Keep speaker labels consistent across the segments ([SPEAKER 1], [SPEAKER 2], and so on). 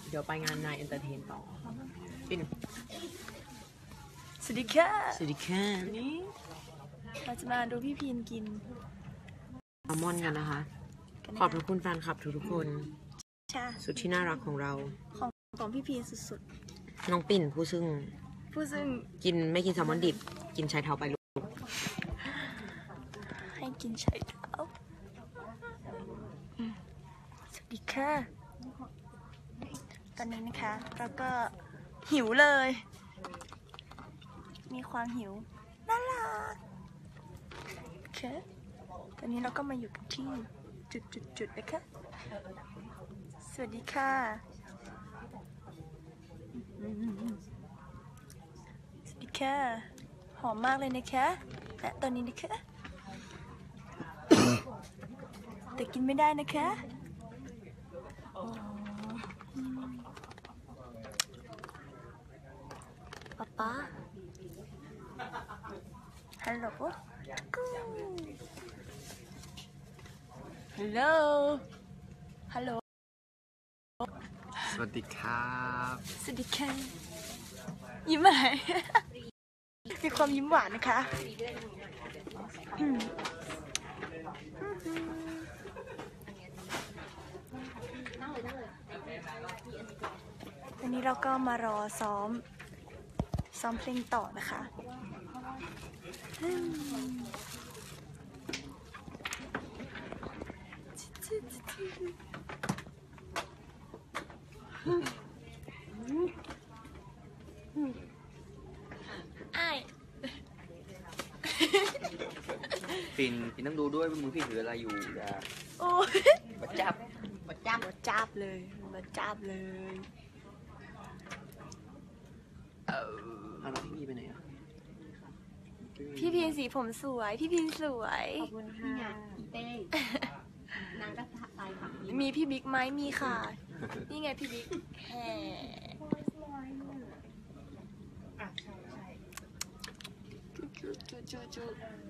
[SPEAKER 1] เดี๋ยวไปงานนายเอนเตอร์เทนต่อปิน
[SPEAKER 2] สวัสดีค่ะ
[SPEAKER 1] สวัสดีค่ะ
[SPEAKER 2] นี่เราจะมาดูพี่พีนกิน
[SPEAKER 1] อัลมอนด์กันนะคะ ขอบคุณแฟนคลับทุกคนสุดที่น่ารักของเรา
[SPEAKER 2] ของพี่พีนสุด
[SPEAKER 1] ๆน้องปิ่นผู้ซึ่งกินไม่กินแซลมอนดิบกินชายเท้าไปลูก
[SPEAKER 2] ให้กินชายเท้าสวัสดีค่ะตอนนี้นะคะเราก็หิวเลยมีความหิวน่ารักโอเคตอนนี้เราก็มาอยู่กันที่จุดนะคะสวัสดีค่ะสวัสดีค่ะหอมมากเลยนะคะและตอนนี้นะคะแต่กินไม่ได้นะคะป๊าฮัลโหลฮัลโหลฮัลโหล
[SPEAKER 3] สวัสดีครับ
[SPEAKER 2] สวัสดีค่ะยิ้มอะไรมีความยิ้มหวานนะคะวันนี้เราก็มารอซ้อมเพลงต่อนะคะ
[SPEAKER 3] ปินต้องดูด้วยมือพี่ถืออะไรอยู่อย่า
[SPEAKER 2] โอ้
[SPEAKER 3] มาจับ
[SPEAKER 2] เลย
[SPEAKER 3] อะไรพี่ไปไหนอ่ะ
[SPEAKER 2] พี่พีนสีผมสวยพี่พีนสวย
[SPEAKER 1] ขอบคุณค่ะเต้นางก็ตายค่ะ
[SPEAKER 2] มีพี่บิ๊กไหมมีค่ะนี่ไงพี่บิ๊กแห่จุ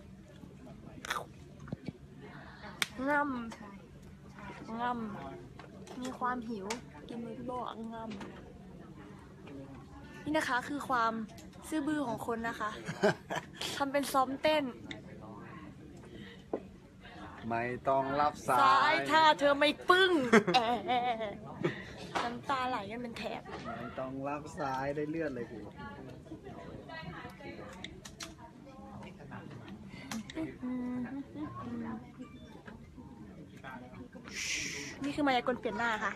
[SPEAKER 2] ง่ำมีความหิวกินมือพี่โบง่ำนี่นะคะคือความซื่อบื้อของคนนะคะทำเป็นซ้อมเต้น
[SPEAKER 3] ไม่ต้องรับสาย
[SPEAKER 2] ถ้าเธอไม่ปึ้งน้ำตาไหลกันเป็นแถบ
[SPEAKER 3] ไม่ต้องรับสายได้เลือดเลยกู
[SPEAKER 2] นี่คือมายากลเปลี่ยนหน้าค่ะ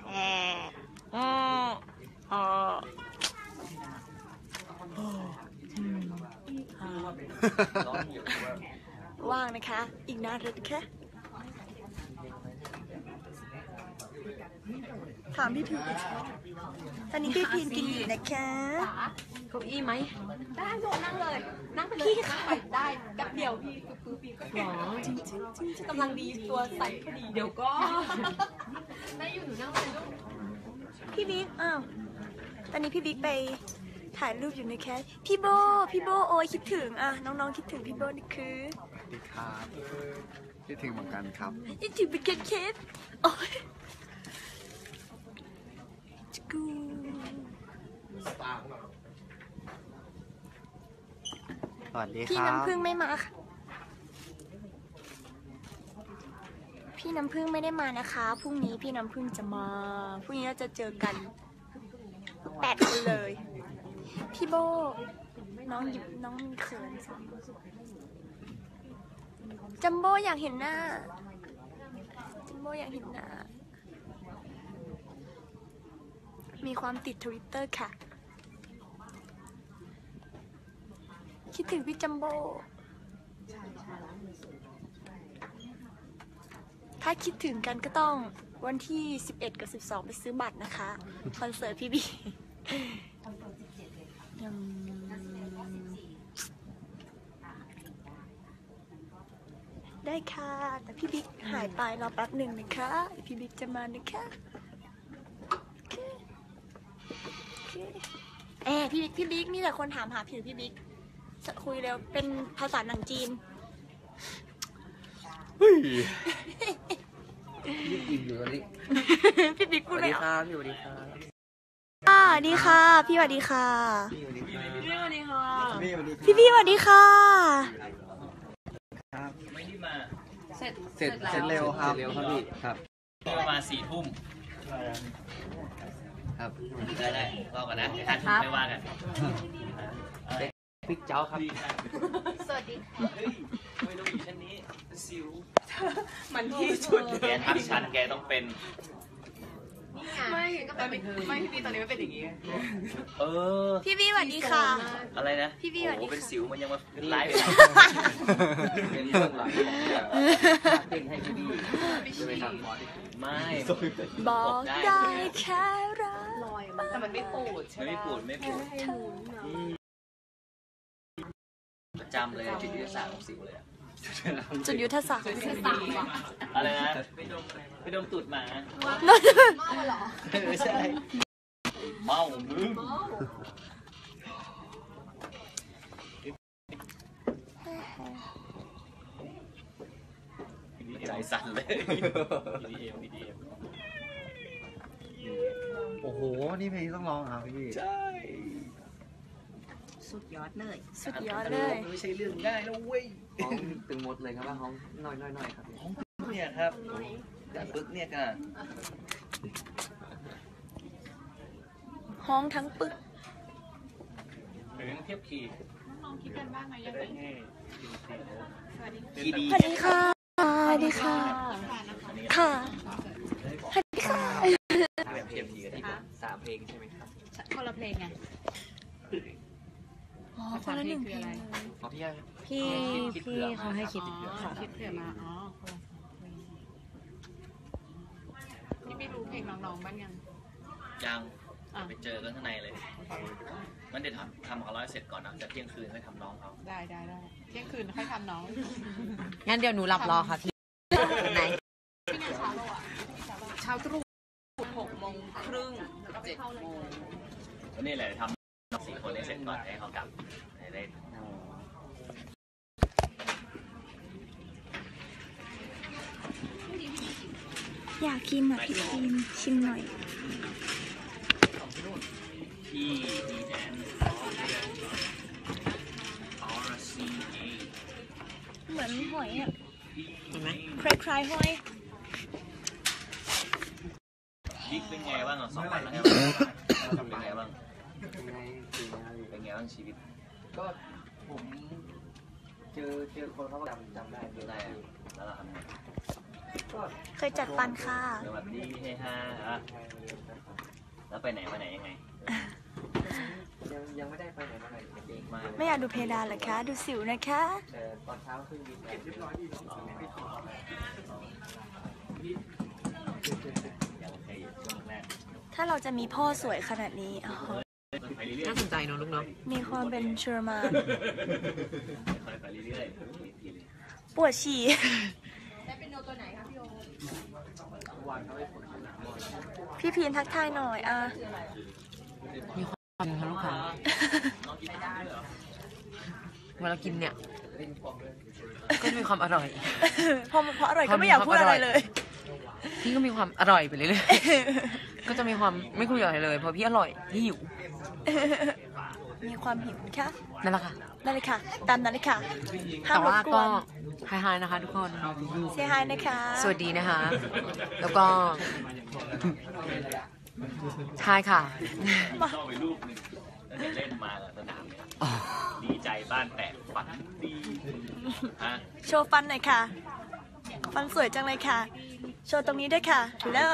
[SPEAKER 2] ว่างนะคะอีกนานเลยแค่ถามพี่พีนตอนนี้พี่พีนกินอยู่นะคะ
[SPEAKER 1] เก้าอี้ไหม
[SPEAKER 2] ได้โดดนั่งเลยนั่งไปเลยพี่ค่ะได้แป๊บเดียวพี่
[SPEAKER 1] หรอ
[SPEAKER 2] จริงกำลังดีตัวใสพอดี
[SPEAKER 1] เดี๋ยวก็
[SPEAKER 2] ได้อยู่หนูนั่งเลยลูกพี่บิ๊กตอนนี้พี่บิ๊กไปถ่ายรูปอยู่ในแคสพี่โบโอ้ยคิดถึงน้องๆคิดถึงพี่โบนี่คือ
[SPEAKER 3] สวัสดีครับคิดถึงเหมือนกันครับ
[SPEAKER 2] คิดถึงเป็นเคสโอ้ย
[SPEAKER 3] สวัสดีครับ
[SPEAKER 2] พี่น้ำพึ่งไม่มาค่ะพี่น้ำพึ่งไม่ได้มานะคะพรุ่งนี้พี่น้ำพึ่งจะมาพรุ่งนี้เราจะเจอกัน8 คนเลยพี่โบน้องมีเขินจัมโบ้อยากเห็นหน้ามีความติด Twitter ค่ะคิดถึงพี่จัมโบ้ถ้าคิดถึงกันก็ต้องวันที่11กับ12ไปซื้อบัตรนะคะคอนเสิร์ตพี่บีได้ค่ะแต่พี่บิ๊กหายไปรอแป๊บหนึ่งนะคะพี่บิ๊กจะมานะคะพี่บิ๊กมีแต่คนถามหาผิวพี่บิ๊กคุยเร็วเป็นภาษาหนังจีน
[SPEAKER 3] รีบอิ่มอยู่ตอนนี้
[SPEAKER 2] พี่บิ๊กพูดเลย
[SPEAKER 3] สวัสดีครับ
[SPEAKER 2] วัสดีค่ะ พี่สวัสดีค่ะ
[SPEAKER 3] พี่สวัสดีค่ะ
[SPEAKER 2] พี่สวัสดีค่ะ
[SPEAKER 3] ครับ
[SPEAKER 4] ไม่ได้มา
[SPEAKER 3] เสร็จเร็วครับพี่ครับ
[SPEAKER 4] ประมาณ4 ทุ่ม
[SPEAKER 3] ครับ
[SPEAKER 4] ได้รอก่อนนะเดี๋ยว5 ทุ่มไม่ว่ากัน
[SPEAKER 3] ปิ๊กเจ้าครับ
[SPEAKER 2] สวัสดี
[SPEAKER 4] เฮ้ยไม่ต้องอยู่ชั้นนี้สิว
[SPEAKER 1] มันที่สุด
[SPEAKER 4] แกทักชั้นแกต้องเป็น
[SPEAKER 1] ไม่ตอนนี้ไม่พี่ตอนนี้ไม่เป็นอย่างนี้
[SPEAKER 4] เออ
[SPEAKER 2] พี่สวัสดีค่ะ
[SPEAKER 4] อะไรนะ
[SPEAKER 2] พี่บี้สวัสดี
[SPEAKER 4] โอ้โหเป็น
[SPEAKER 2] ค่ะ
[SPEAKER 4] สิวมันยังมาเป็นไลฟ์เลย
[SPEAKER 3] เป็นเรื่องหลังของเต้นให้พี่ใช่ไหมครับ
[SPEAKER 4] ไม่
[SPEAKER 2] บอกได้แค่รัก
[SPEAKER 1] แต่มันไม่ปูดใช่ไหม
[SPEAKER 4] ไม่ปวดประจำเลยจุดยุทธศาสตร์ของสิวเลยอะ
[SPEAKER 2] จุดยุทธศาสตร์
[SPEAKER 4] อะไรนะไปดมตูดหมาไม่ใช่เมามึงใจสั่นเลย PDM
[SPEAKER 3] โอ้โห นี่เพลงต้องร้องครับพี่
[SPEAKER 4] ใช่
[SPEAKER 2] สุดยอดเลย
[SPEAKER 4] ไม่ใช่เรื่องง่ายนะเว้ย
[SPEAKER 3] ร้องตึงหมดเลยครับว่าร้องน้อยครับพี่
[SPEAKER 4] เนี่ยครับแต่ปึ๊กเนี่ยกัน
[SPEAKER 2] ห้องทั้งปึก
[SPEAKER 4] หรือเทียบคีย์น้องคิดกันบ้างไหมยังไงคีดี
[SPEAKER 2] สวัสดีค่ะสวัสดีค่ะ ค่ะสวัสดีค่ะ
[SPEAKER 4] แบบเทียบคีย์กันที่
[SPEAKER 3] 3 เพลงใช่ไหมครับ
[SPEAKER 1] คนละเพลงไง
[SPEAKER 2] อ๋อคนละหนึ่งเพลงเลย
[SPEAKER 3] ของพี่
[SPEAKER 1] พี่เขาให้คิดค่ะ
[SPEAKER 5] คิดเผื่อมา อ๋อนี่ไม่รู้เพลงน้องๆบ้างยัง
[SPEAKER 4] ยังไปเจอกันข้างในเลยมันเดี๋ยวทำของเราเสร็จก่อนนะจะเที่ยงคืนค่อยทำน้องเขา
[SPEAKER 5] ได้เที่ยงคืนค่อยทำน้อง
[SPEAKER 1] งั้นเดี๋ยวหนูหลับรอค่ะพี่ไหน
[SPEAKER 5] เช้าตรู่6:30 7 โมง
[SPEAKER 4] ก็นี่แหละทำน้อง4 คนให้เสร็จก่อนให้เขากลับได้
[SPEAKER 2] อยากกินอ่ะพี่กินชิมหน่อย
[SPEAKER 4] ที่ดีแดนRCA
[SPEAKER 2] เหมือนหอยอ่ะ
[SPEAKER 1] เห็นไหม
[SPEAKER 2] คล้ายๆหอย
[SPEAKER 4] บิ๊กเป็นไงบ้างอ่ะ2 วันแล้วเป็นไงบ้างเป็นไงบ้างชีวิต
[SPEAKER 3] ก็ผมเจอคนเขาก็จำได้
[SPEAKER 4] ได้แล้วเราทำไง
[SPEAKER 3] ก็
[SPEAKER 2] เคยจัดฟันค่ะ
[SPEAKER 4] สวัสดีเฮฮาแล้วไปไหนมาไหนยังไง
[SPEAKER 3] ยังไม่ได้ไปไหนมาไหนเองมาก
[SPEAKER 2] ไม่อยากดูเพดานเหรอคะ ดูสิวนะคะ
[SPEAKER 3] แต่ตอนเช้าขึ้นบินเก็บเรียบร้อยดี
[SPEAKER 4] ยังโอเคอยู่ช่วงแรก
[SPEAKER 2] ถ้าเราจะมีพ่อสวยขนาดนี้อ๋อ
[SPEAKER 4] ไปเรื่อย
[SPEAKER 1] น่าสนใจเนอะลูกเนาะ
[SPEAKER 2] มีความเป็นเชอร์มาน
[SPEAKER 4] ๆค่อยไปเรื่อยๆ
[SPEAKER 2] ปวดฉี่ พี่พีนทักทายหน่อยอ่ะ
[SPEAKER 1] มีความค่ะลูกค้าเวลากินเนี่ย ก็จะมีความอร่อย
[SPEAKER 2] พออร่อยก็ไม่อยากพูดอะไรเลย
[SPEAKER 1] พี่ก็มีความอร่อยไปเรื่อยๆ ก็จะมีความไม่คุยอะไรเลยเพราะพี่อร่อยพี่หิว
[SPEAKER 2] มีความหิวค่ะ
[SPEAKER 1] นั่นแหละค่ะ
[SPEAKER 2] ได้เลยค่ะ ตามนั้นเลยค่ะห้าม
[SPEAKER 1] แต่
[SPEAKER 2] รบ
[SPEAKER 1] ว่าก
[SPEAKER 2] ว
[SPEAKER 1] ก็
[SPEAKER 2] น
[SPEAKER 1] ไฮๆนะคะทุกคน
[SPEAKER 2] เซฮายนะคะ
[SPEAKER 1] สวัสดีนะคะ แล้วก็ใช่ค่ะ
[SPEAKER 4] ชอบไปรูปหนึ่งตั้งแต่เล่นมาสนามเนี่ยดีใจบ้านแตกฝันดีฮะ
[SPEAKER 2] โชว์ฟันหน่อยค่ะ ฟันสวยจังเลยค่ะ โชว์ตรงนี้ด้วยค่ะแล้ว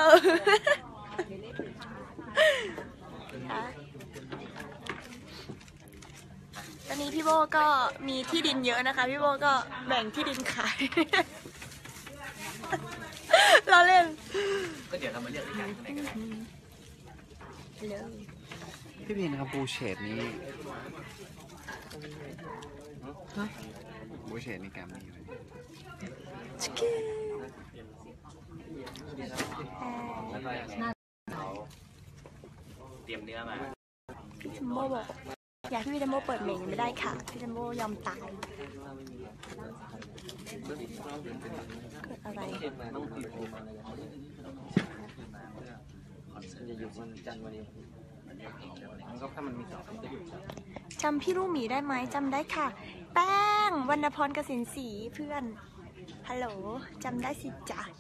[SPEAKER 2] ตอนนี้พี่โบก็มีที่ดินเยอะนะคะ พี่โบก็แบ่งที่ดินขาย เราเล่น
[SPEAKER 4] ก็เดี๋ยวเรามาเลือกด้วยกันข้างในกันได้
[SPEAKER 3] พี่บินครับบูเชดนี้
[SPEAKER 1] ฮะ
[SPEAKER 3] บูเชดนี่แกมมี่ไหม
[SPEAKER 4] แล้วก็ยังไงเขาเตรียมเนื้อมา
[SPEAKER 2] พี่จัมโบ้บอกอยากให้พี่จัมโบ้เปิดเมงไม่ได้ค่ะ พี่จัมโบ้ยอมตาย เกิดอะไร
[SPEAKER 3] ต้องติดโอมาเลยจะอยู่วันจันทร์วันนี้มันก็ถ้ามันมีสองจะอยู่
[SPEAKER 2] จำพี่ลูกหมีได้ไหมจำได้ค่ะ แป้งวรรณพรกสินศรีเพื่อนฮัลโหลจำได้สิจ๊ะ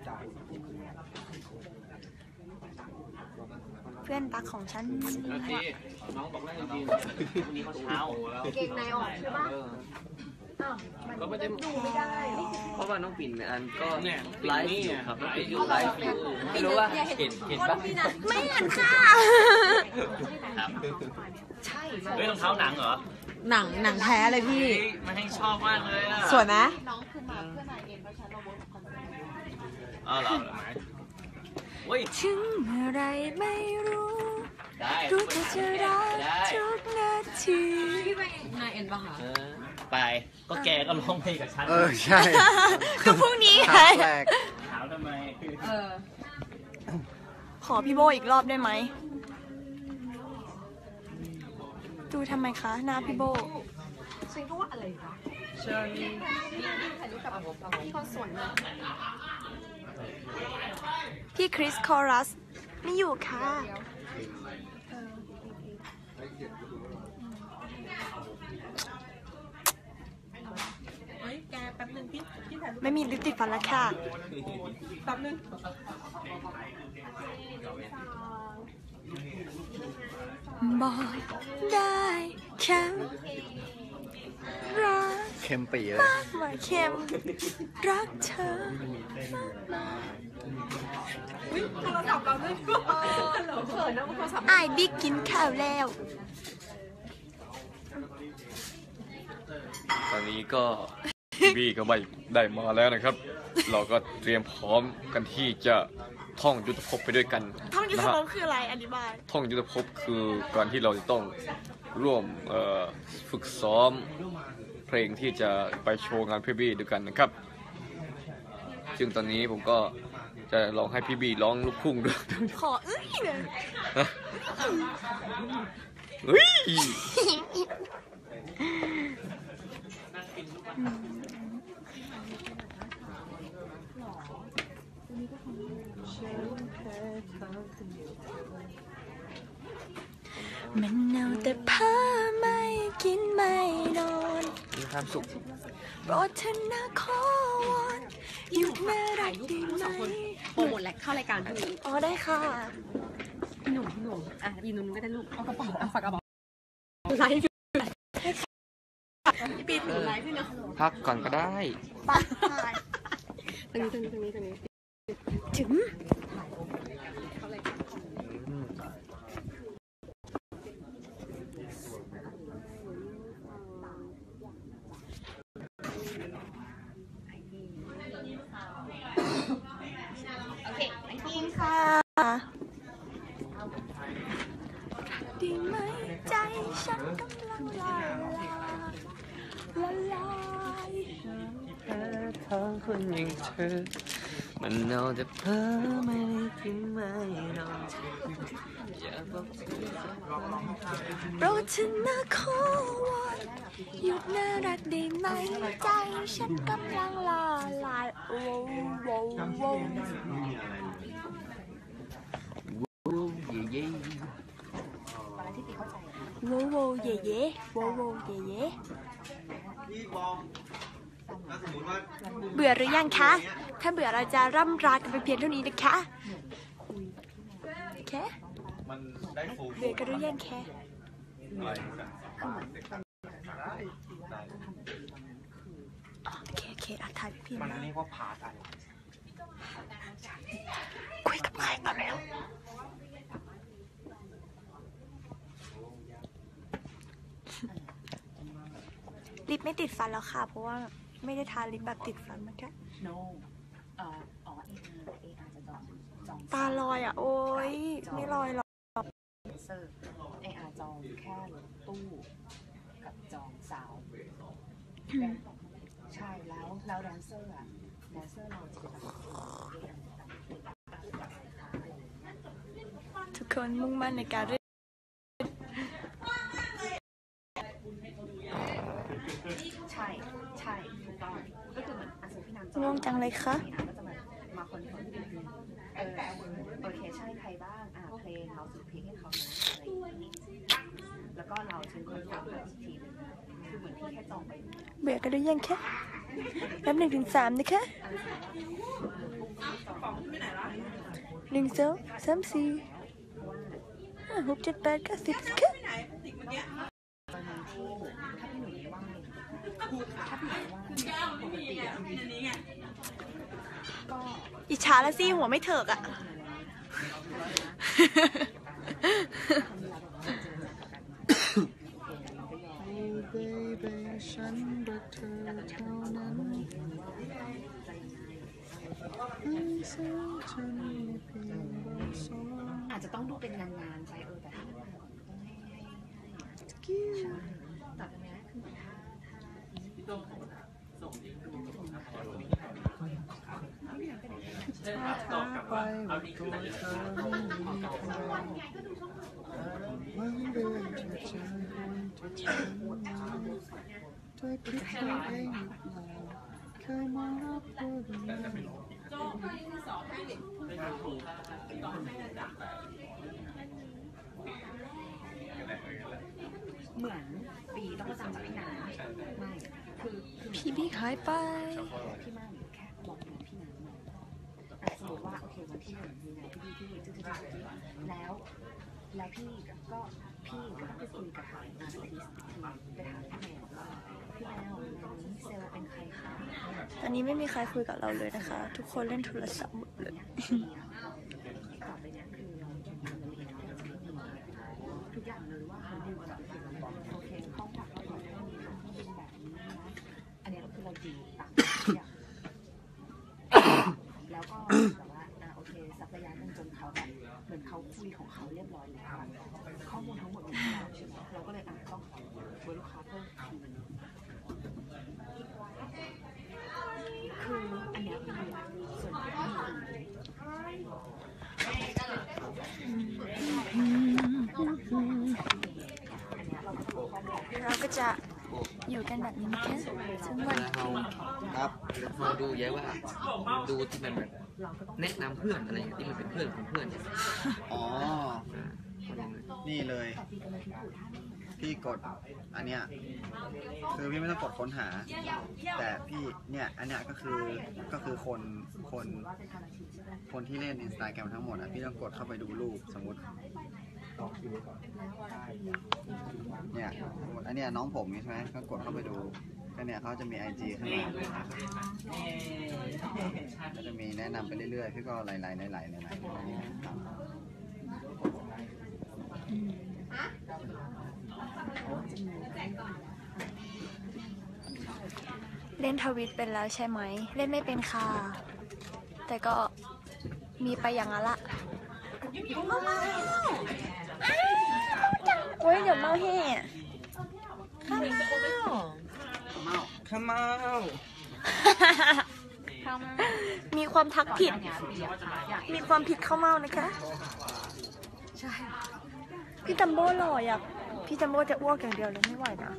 [SPEAKER 2] เพื่อนรักของฉัน
[SPEAKER 3] น้องบอกได้จริงๆวันนี้เขาเช้าแล้วเก่งในออกใช่ปะก็ไม่ได้ดูไม่ได้ เพราะว่าน้องปิ่นอันก็ไลฟ์อยู่ครับน้องปิ่นอยู่ไลฟ์อยู่ไม่รู้ว่าเห็นปะ
[SPEAKER 2] ไม่เห็นค่ะ
[SPEAKER 4] ครับเฮ้ยรองเท้าหนังเหรอ
[SPEAKER 1] หนังแท้เลยพี่
[SPEAKER 4] มันให้ชอบมากเลยอ่ะ
[SPEAKER 1] สวยไหม
[SPEAKER 4] อ๋อเหรอไหมเฮ้ย
[SPEAKER 2] ถึงเมื่อไรไม่รู้
[SPEAKER 4] ได้
[SPEAKER 2] รู้แต่จะรักทุกนาที
[SPEAKER 1] พี่ไปนายเอ็นปะคะ
[SPEAKER 4] ไปก็แกก็ร้องเพลงกับฉัน
[SPEAKER 3] ใช่
[SPEAKER 2] ก็พรุ่งนี้ไง
[SPEAKER 4] ถามทำไม
[SPEAKER 2] ขอพี่โบอีกรอบได้ไหมดูทำไมคะหน้าพี่โบพี่คริสคอรัสไม่อยู่ค่ะ ไม่มีลิปติดฟันแล้วค่ะ บอกได้แค่รัก
[SPEAKER 3] เค็มปีเลย
[SPEAKER 2] มากกว่าเค็มรักเธอไอ้บิ๊กกินข้าวแล้ว
[SPEAKER 6] ตอนนี้ก็ทีวีก็ไม่ได้มาแล้วนะครับ เราก็เตรียมพร้อมกันที่จะท่องยุทธภพไปด้วยกัน
[SPEAKER 2] ท่องยุทธ
[SPEAKER 6] นะฮะ
[SPEAKER 2] ภพคืออะไรอธิบาย
[SPEAKER 6] ท่องยุทธภพคือการที่เราจะต้องร่วมฝึกซ้อมเพลงที่จะไปโชว์งานพี่บีด้วยกันนะครับ ซึ่งตอนนี้ผมก็จะลองให้พี่บีร้องลูกทุ่งด้วย
[SPEAKER 2] ขอเอ้ยเลย
[SPEAKER 6] เฮ้ย
[SPEAKER 2] มันเอาแต่ผ้าไม่กินไม่นอน
[SPEAKER 6] มีความสุข
[SPEAKER 2] โปรดเธอนะขอวอนหยุดน่ารักได้ไหม
[SPEAKER 1] โปรโมทแหละเข้ารายการพี่
[SPEAKER 2] อ๋อได้ค่ะ
[SPEAKER 1] พี่หนุ่มอ่ะยีนุ่มก็ได้ลูกเอากระเป๋าเอาฝากกระเป๋าไลฟ์อยู่ปีถือไลฟ์ด้วยเนาะ
[SPEAKER 6] พักก่อนก็ได้
[SPEAKER 2] ปัด
[SPEAKER 1] ตรงนี้
[SPEAKER 2] ถึงค่ะดีไหมใจฉันกำลังละลาย
[SPEAKER 6] ทั้งคนอย่างเธอมันเอาแต่เพ้อไม่ได้กินไม่นอนอย่าบอกเธอ
[SPEAKER 2] โปรดเธอนะขอวอนหยุดน่ารักได้ไหมใจฉันกำลังละลายโว้โว้โว้
[SPEAKER 6] เย่
[SPEAKER 2] โว้โว้เย่เย่โว้โว้เย่เย่เบื่อหรือยังคะ ถ้าเบื่อเราจะร่ำรากันไปเพียงเท่านี้นะคะแค่เบื่อกันหรือยังแค่โอเคอ่ะถ่ายพี่มันเรียกว่าพาร์ทคุยกับใครกันแล้วลิปไม่ติดฟันแล้วค่ะ เพราะว่าไม่ได้ทาลิปแบบติดฟันนะคะ
[SPEAKER 5] no เออาจจะจอง
[SPEAKER 2] ตาลอยอ่ะ โอ๊ยไม่ลอยหรอก
[SPEAKER 5] เซอร์อาจองแค่รถตู้กับจองสาวใช่แล้วแดนเซอร์เราจะเป็นแบบ
[SPEAKER 2] ทุกคนมุ่งมั่นในการเรียน
[SPEAKER 5] ใช่ถูกต้องก็คือเหมือนอาชีพพี่นำ
[SPEAKER 2] ง่วงจังเลยคะ
[SPEAKER 5] พี่นำก็จะมาคนที่เป็นโอเคใช่ใครบ้างเพลงเราสุดเพลงให้เขานะอะไรฉันคอนเฟิร์มอีกทีนึงคือเหมือนพี่แค่จองไป
[SPEAKER 2] เบื่อกันหรือยังคะนับ1 ถึง 3นะคะ1 2 3 4 5 6 7 8 9 10ค่ะ
[SPEAKER 5] ตอนนั้นที่เหมือนถ้าพี่หนุ่ยไม่ว่างถ้าพี่หนุ่ยไม่ว่างปกติก็
[SPEAKER 2] อิจฉาแล้วสิหัวไม่เถิกอ่ะ
[SPEAKER 5] อาจจะต้องดูเป็นงานๆไปแต่ถ้าต้องให้แต่ตรงนี้คือเหมือนปีต้องประจำจากพี่น้ำไม่คือ
[SPEAKER 2] พี่บิ๊กหายไป
[SPEAKER 5] พี่มากแค่บอกพี่น้ำมาสมมติว่าโอเควันที่1มีงานพี่แล้วพี่ก็ไปคุยกับทางอาร์ติสต์ไปถามพี่แมวว่าพี่แมววันนี้เซลล์เป็นใครคะ
[SPEAKER 2] ตอนนี้ไม่มีใครคุยกับเราเลยนะคะ ทุกคนเล่นโทรศัพท์หมดเลย
[SPEAKER 5] ต่อไปนี้คือเราจะทำละเอียดทุกอย่างเลยว่าเขาดูแบบโอเคข้อความเราบอกว่ามีเป็นแบบนี้นะอันนี้ก็คือเราดีตามทุกอย่างแล้วก็แบบว่าโอเคสักระยะหนึ่งจนเขาแบบเหมือนเขาคุยของเขาเรียบร้อยแล้วข้อมูลทั้งหมดของเราใช่ไหมเราก็เลยต้องขอเบอร์ลูกค้าเพิ่มทีนึงคืออันเนี้ยเป็นส่วนที่
[SPEAKER 2] เราก็จะอยู่กันแบบนี้นะคะทั้งวัน
[SPEAKER 3] ครับเราดูเยอะว่าดูที่มันแบบแนะนำเพื่อนอะไรอย่างที่มันเป็นเพื่อนของเพื่อนเนี่ย
[SPEAKER 7] อ๋อ นี่เลย พี่กดอันเนี้ยคือพี่ไม่ต้องกดค้นหา แต่พี่เนี่ยอันเนี้ยก็คือคนที่เล่น Instagram ทั้งหมดอ่ะพี่ต้องกดเข้าไปดูรูปสมมติเนี่ยสมมติอันเนี้ยน้องผมใช่ไหมก็กดเข้าไปดูก็เนี่ยเขาจะมี IG ข้างหลังก็จะมีแนะนำไปเรื่อยๆพี่ก็ไล่
[SPEAKER 2] เล่นทวิตเป็นแล้วใช่ไหม เล่นไม่เป็นค่ะ แต่ก็มีไปอย่างนั้นละโอ้ยเดี๋ยวเมาแห่ข้าวเมามีความทักผิด มีความผิดข้าวเมานะคะ ใช่ พี่จัมโบ้หล่ออยากพี่จัมโบ้จะอ้วกอย่างเดียวเลยไม่ไหวนะ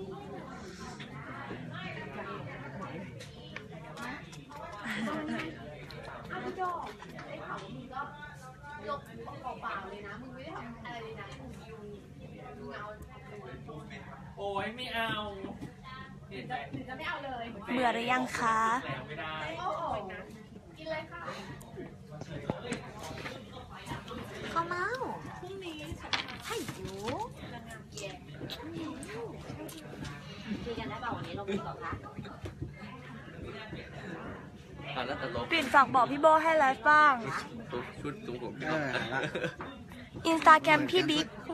[SPEAKER 4] โอ้ยไม่เอา
[SPEAKER 2] เบื่อหรือยังคะข้าวเมาพรุ่งนี้ให้อยู่คุยกันได้เปล่าวันนี้เราคุยก่อนคะปิ่นฝากบอกพี่โบให้ไลฟ์บ้าง
[SPEAKER 3] ชุดตุ้งผม
[SPEAKER 2] อินสตาแกรมพี่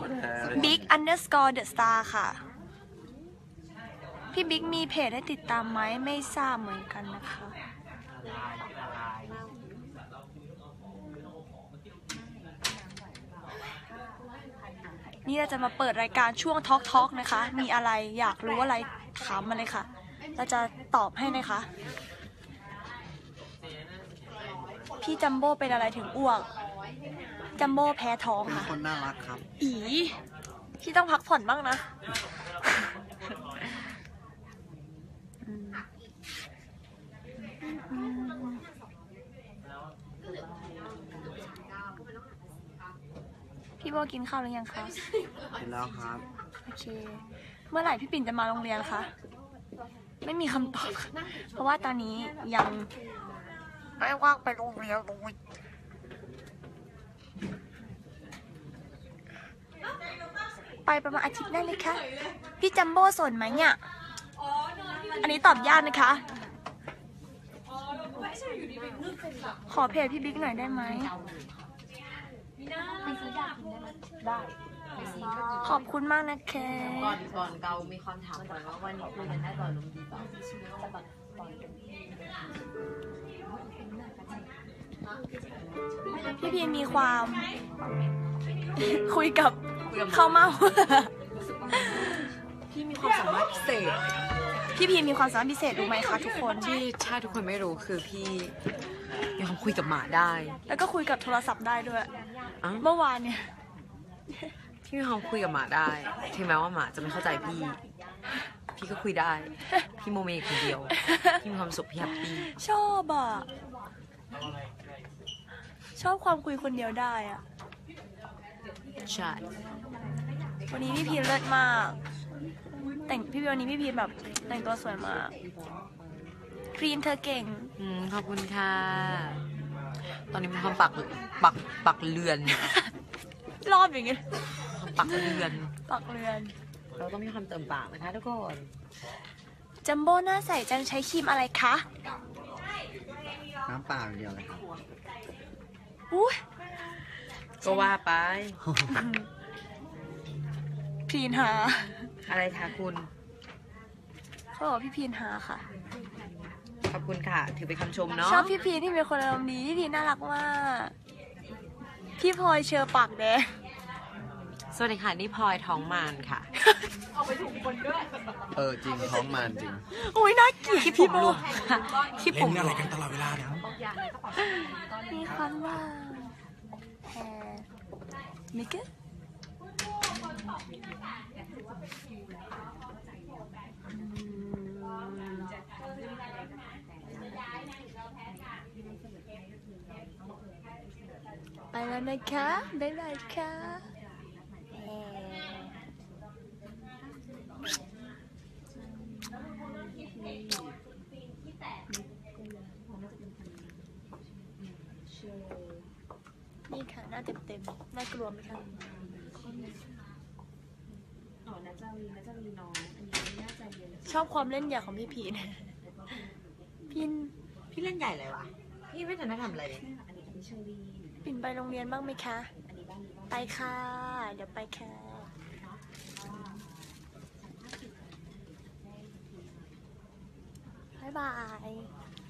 [SPEAKER 2] บิ๊ก_the star ค่ะ พี่บิ๊กมีเพจให้ติดตามไหมไม่ทราบเหมือนกันนะคะ นี่เราจะมาเปิดรายการช่วงทอล์กนะคะ มีอะไรอยากรู้อะไรถามมาเลยค่ะ เราจะตอบให้นะคะ พี่จัมโบ้เป็นอะไรถึงอ้วก จัมโบ้แพ้ท้อง
[SPEAKER 7] เป็น
[SPEAKER 2] ค่ะ
[SPEAKER 7] คนน่ารักครับ
[SPEAKER 2] อีพี่ต้องพักผ่อนบ้างนะ พี่โบกินข้าวหรือยังคะ
[SPEAKER 7] กินแล้วครับ
[SPEAKER 2] โอเคเมื่อไหร่พี่ปิ่นจะมาโรงเรียนคะไม่มีคำตอบเพราะว่าตอนนี้ยังไม่ว่างไปโรงเรียนเลยไปประมาณอาทิตย์ได้เลยค่ะพี่จัมโบ้สนไหมเนี่ยอันนี้ตอบยากนะคะขอเพจพี่บิ๊กหน่อยได้ไหมขอบคุณมากนะแค
[SPEAKER 1] ก่อนเกามีคำถามก่อนว่าวันนี้คุยกันได้ต่อลมดีเปล่า
[SPEAKER 2] พี่พีมีความ คุยกับข้าวเมา
[SPEAKER 1] พี่มีความสามารถพิเศษ
[SPEAKER 2] พี่พีมีความสามารถพิเศษรู้ไหมคะทุกคน
[SPEAKER 1] ที่ถ้าทุกคนไม่รู้คือพี่มีความคุยกับหมาได้
[SPEAKER 2] แล้วก็คุยกับโทรศัพท์ได้ด้วย
[SPEAKER 1] อ้าว
[SPEAKER 2] เมื่อวานเนี่ย
[SPEAKER 1] พี่มีความคุยกับหมาได้ ถึงแม้ว่าหมาจะไม่เข้าใจพี่ พี่ก็คุยได้ พี่โมเมคนเดียว พี่มีความสุขพี่แฮปปี้
[SPEAKER 2] ชอบอ่ะ ชอบความคุยคนเดียวได้อ่ะ
[SPEAKER 1] ใช่
[SPEAKER 2] วันนี้พี่พีเลิศมาก วันนี้พี่พีแบบแต่งตัวสวยมากครีนเธอเก่ง
[SPEAKER 1] ขอบคุณค่ะ ตอนนี้มีความปักเรือน
[SPEAKER 2] รอบอย่างเงี้ย
[SPEAKER 1] ปักเรือน
[SPEAKER 2] ปักเรือน
[SPEAKER 1] เราต้องมีความเติมปากนะคะทุกคน
[SPEAKER 2] จัมโบ้หน้าใสจังใช้ครีมอะไรคะ
[SPEAKER 7] น้ำเปล่าอย่างเดียวเลยครับ
[SPEAKER 2] อุ้ย
[SPEAKER 1] ก็ว่าไป
[SPEAKER 2] พีนหา
[SPEAKER 1] อะไรคะคุณ
[SPEAKER 2] เขาบอกพี่พีนหาค่ะ
[SPEAKER 1] ขอบคุณค่ะ ถือเป็นคำชมเนาะ
[SPEAKER 2] ชอบพี่พีนที่เป็นคนอารมณ์ดีพี่พีนน่ารักมาก พี่พลอยเชอปากแดง
[SPEAKER 1] สวัสดีค่ะ นี่พลอยท้องมานค่ะ
[SPEAKER 7] จริงท้องมันจริง
[SPEAKER 2] อุ้ยน่าเกลียด
[SPEAKER 1] ที่ผ
[SPEAKER 2] พี่
[SPEAKER 1] ม
[SPEAKER 2] โบ
[SPEAKER 1] รวมค่ะที่ผม
[SPEAKER 8] เล่น
[SPEAKER 1] ร
[SPEAKER 8] อะไร
[SPEAKER 1] วม
[SPEAKER 8] กันตลอดเวลาเนี่ย
[SPEAKER 2] มีคำว่าแฮมิกเกอร์ไปแล้วนะคะบ๊ายบายค่ะนี่ค่ะหน้าเต็มๆน่ากลัวไหมคะชอบความเล่นใหญ่ของพี่พีน
[SPEAKER 1] พี่เล่นใหญ่เลยวะ พี่ไม่ทันได้ทำอะไรเลย
[SPEAKER 2] ปิ่นไปโรงเรียนบ้างไหมคะ ไปค่ะ เดี๋ยวไปค่ะ บ๊ายบาย